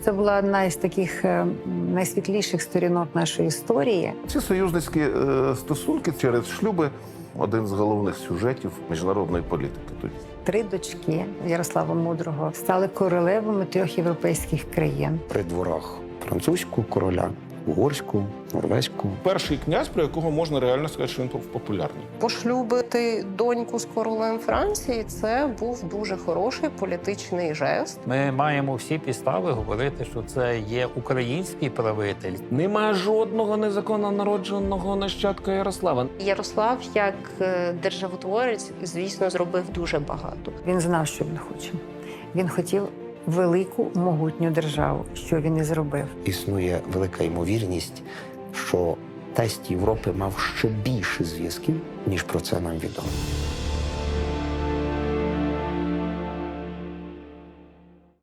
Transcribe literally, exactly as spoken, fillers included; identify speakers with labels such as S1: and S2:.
S1: це була одна із таких е, найсвітліших сторінок нашої історії.
S2: Ці союзницькі е, стосунки через шлюби – один з головних сюжетів міжнародної політики тоді.
S1: Три дочки Ярослава Мудрого стали королевами трьох європейських країн.
S3: При дворах французького короля, угорського, норвезького.
S4: Перший князь, про якого можна реально сказати, що він був популярний.
S5: Пошлюбити доньку з королем Франції – це був дуже хороший політичний жест.
S6: Ми маємо всі підстави говорити, що це є український правитель.
S7: Нема жодного незаконно народженого нащадка Ярослава.
S5: Ярослав, як е, державотворець, звісно, зробив дуже багато.
S1: Він знав, що він хоче. Він хотів велику, могутню державу, що він і зробив.
S3: Існує велика ймовірність, що тесть Європи мав ще більше зв'язків, ніж про це нам відомо.